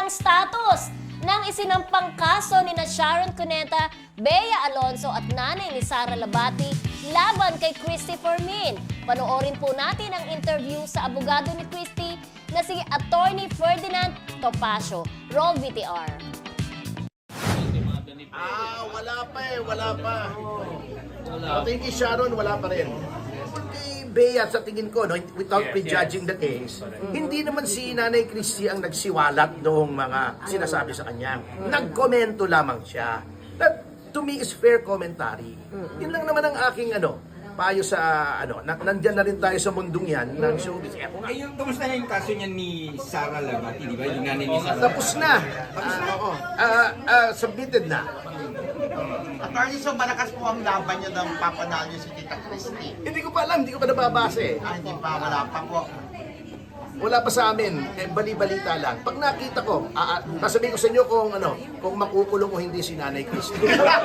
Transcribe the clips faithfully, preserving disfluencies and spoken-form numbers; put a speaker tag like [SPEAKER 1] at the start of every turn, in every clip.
[SPEAKER 1] ang status ng isinampang kaso ni na Sharon Cuneta, Bea Alonso at nanay ni Sara Labati laban kay Christy Fermin. Panoorin po natin ang interview sa abogado ni Christy na si Attorney Ferdinand Topacio. Roll V T R.
[SPEAKER 2] Ah, wala pa eh, wala pa. Wala. Tingin kay Sharon, wala pa rin. Kay Bea, sa tingin ko, no, without
[SPEAKER 3] Yes,
[SPEAKER 2] prejudging
[SPEAKER 3] yes.
[SPEAKER 2] the case, hindi naman si Nanay Christy ang nagsiwalat noong mga sinasabi sa kanya. Nagkomento lamang siya. That, to me, is fair commentary. Yun lang naman ang aking, ano, payo sa, ano, na, nandyan na rin tayo sa mundong yan, ng showbiz. Eh, ako nga,
[SPEAKER 3] Eh, yung, kamusta na yung kaso niya ni Sara Labati, di ba? Yung nanay ni Sara.
[SPEAKER 2] tapos na. Tapos na. Ah, ah, submitted na.
[SPEAKER 4] Attorney, so malakas po ang laban niyo ng papanalo niyo si Tita Christy.
[SPEAKER 2] Hindi ko pa alam, hindi ko pa nababasa eh.
[SPEAKER 4] Ah, hindi pa, wala pa po.
[SPEAKER 2] Wala pa sa amin, eh, bali-balita lang. Pag nakita ko, ah, ah, sasabihin ko sa inyo kung ano, kung makukulong o hindi si Nanay Christy.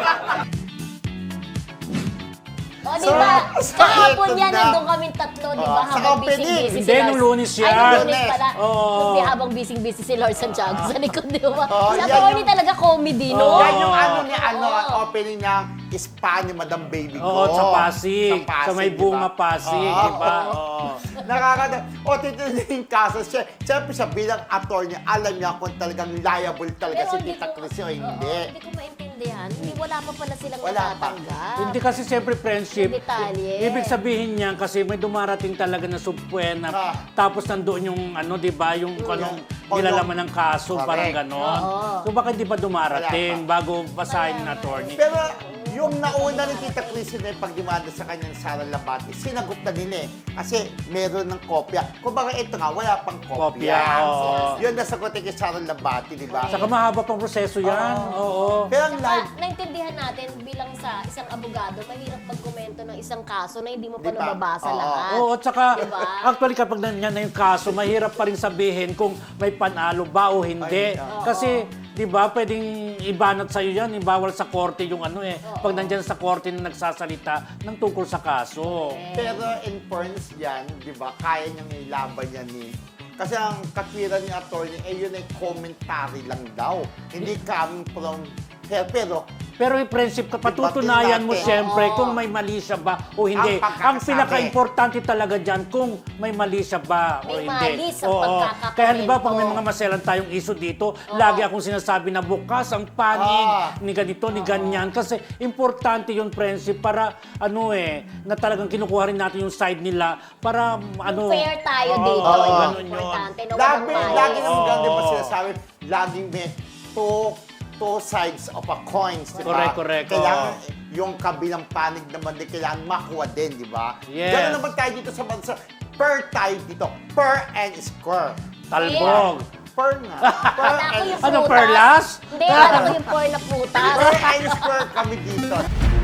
[SPEAKER 1] O, di ba?
[SPEAKER 4] So,
[SPEAKER 1] Kahapon
[SPEAKER 4] ito
[SPEAKER 1] yan,
[SPEAKER 4] na.
[SPEAKER 1] nandun kami tatlo, di ba?
[SPEAKER 4] Oh, sa
[SPEAKER 1] Habang
[SPEAKER 4] opening.
[SPEAKER 1] busy-busy si
[SPEAKER 5] Hindi,
[SPEAKER 1] Lars.
[SPEAKER 5] nung Lunes yan.
[SPEAKER 1] Ay, nung Lunes pala.
[SPEAKER 5] Oo.
[SPEAKER 1] Hindi, habang busy-busy si Lord Santiago sa likod, di ba?
[SPEAKER 4] Oh,
[SPEAKER 1] Si
[SPEAKER 4] yan
[SPEAKER 1] Atty.
[SPEAKER 4] yung-
[SPEAKER 1] talaga comedy, no?
[SPEAKER 5] Oo.
[SPEAKER 4] Yan yung ano ni ano,
[SPEAKER 1] Oo.
[SPEAKER 4] opening ng spa ni Madam Baby ko.
[SPEAKER 5] Oo, sa Pasig. Sa may
[SPEAKER 4] di
[SPEAKER 5] bunga
[SPEAKER 4] ba?
[SPEAKER 5] Pasig,
[SPEAKER 4] Oo,
[SPEAKER 5] di ba?
[SPEAKER 4] oo. Nakakata. O, titignan yung kaso. Siya- Siyempre siya bilang attorney, alam niya kung talagang liable talaga si
[SPEAKER 1] hindi
[SPEAKER 4] Tita
[SPEAKER 1] ko-
[SPEAKER 4] Christy o
[SPEAKER 1] oo,
[SPEAKER 4] hindi.
[SPEAKER 1] Hindi ko maintindihan. Hindi, wala pa pala silang
[SPEAKER 4] Wala pa.
[SPEAKER 1] natatanggap.
[SPEAKER 5] Hindi kasi siyempre friendship.
[SPEAKER 1] Yung detalye.
[SPEAKER 5] Ibig sabihin niyan kasi may dumarating talaga na subpuena.
[SPEAKER 4] Ah.
[SPEAKER 5] Tapos nandoon yung ano, 'di ba, yung anong
[SPEAKER 4] Oh,
[SPEAKER 5] nilalaman ng kaso,
[SPEAKER 4] correct.
[SPEAKER 5] parang ganon.
[SPEAKER 1] Oo.
[SPEAKER 5] So bakit di ba dumarating
[SPEAKER 4] Wala
[SPEAKER 5] bago basahin ng attorney?
[SPEAKER 4] Pero yung nauna ni Tita Christy na yung pagdemanda sa kanyang Sara Labati, sinagot na nila eh. Kasi meron ng kopya. Kung baka ito nga, wala pang kopya.
[SPEAKER 5] Kopya, oo.
[SPEAKER 4] Yun nasagot kay Sara Labati, di ba?
[SPEAKER 5] Saka mahaba pang proseso yan. Oo.
[SPEAKER 4] Pero ang live,
[SPEAKER 1] Saka, naintindihan natin bilang sa isang abogado, mahirap magkomento ng isang kaso na hindi mo pa
[SPEAKER 4] Di ba?
[SPEAKER 1] nababasa
[SPEAKER 4] Oo.
[SPEAKER 1] lahat.
[SPEAKER 5] Oo, at saka
[SPEAKER 1] Diba?
[SPEAKER 5] actually kapag nanyan na yung kaso, mahirap pa rin sabihin kung may panalo ba o hindi.
[SPEAKER 4] Ay, oo.
[SPEAKER 5] Kasi, di ba, pwedeng ibanat sa'yo yan, ibawal sa korte yung ano eh. Pag nandyan sa korte na nagsasalita ng tungkol sa kaso.
[SPEAKER 4] pero in fairness yan, di ba, kaya niyang ilaban yan ni... Kasi ang katwiran ni attorney, eh yun ay commentary lang daw. Hindi coming from her. Pero,
[SPEAKER 5] Pero yung friendship, patutunayan mo
[SPEAKER 4] natin.
[SPEAKER 5] siyempre
[SPEAKER 1] Oo.
[SPEAKER 5] kung may mali siya ba o hindi.
[SPEAKER 4] Ang
[SPEAKER 5] Ang,
[SPEAKER 4] pagkakasabi.
[SPEAKER 5] pinaka-importante talaga dyan kung may mali siya ba o
[SPEAKER 1] May
[SPEAKER 5] hindi.
[SPEAKER 1] mali sa
[SPEAKER 5] Oo.
[SPEAKER 1] pagkakakwento.
[SPEAKER 5] Kaya di ba pag may mga maselan tayong issue dito, lagi akong sinasabi na bukas ang panig
[SPEAKER 4] Ah.
[SPEAKER 5] ni ganito, ni ganyan. Kasi importante yung friendship para ano eh, na talagang kinukuha rin natin yung side nila para ano.
[SPEAKER 1] Fair tayo
[SPEAKER 5] Oo,
[SPEAKER 1] dito.
[SPEAKER 5] oo,
[SPEAKER 1] Yun ang
[SPEAKER 5] ganun yun.
[SPEAKER 1] importante. Na walang
[SPEAKER 4] lagi,
[SPEAKER 1] bias.
[SPEAKER 4] lagi naman
[SPEAKER 5] Oo.
[SPEAKER 4] ganun, di ba sinasabi, laging may two, two sides of a coins, di ba?
[SPEAKER 5] Correct, correct,
[SPEAKER 4] Kailangan
[SPEAKER 5] oo.
[SPEAKER 4] yung kabilang panig naman din, kailangan makuha din, di ba?
[SPEAKER 5] Yes.
[SPEAKER 4] Ganun naman tayo dito sa bansa. Per tayo dito. Per and square.
[SPEAKER 5] Talbog.
[SPEAKER 4] Per nga. Per
[SPEAKER 1] Kala ko
[SPEAKER 4] and
[SPEAKER 1] yung
[SPEAKER 5] Ano,
[SPEAKER 1] prutas.
[SPEAKER 5] perlas?
[SPEAKER 1] Hindi, kala ko yung per na prutas.
[SPEAKER 4] Per and square kami dito.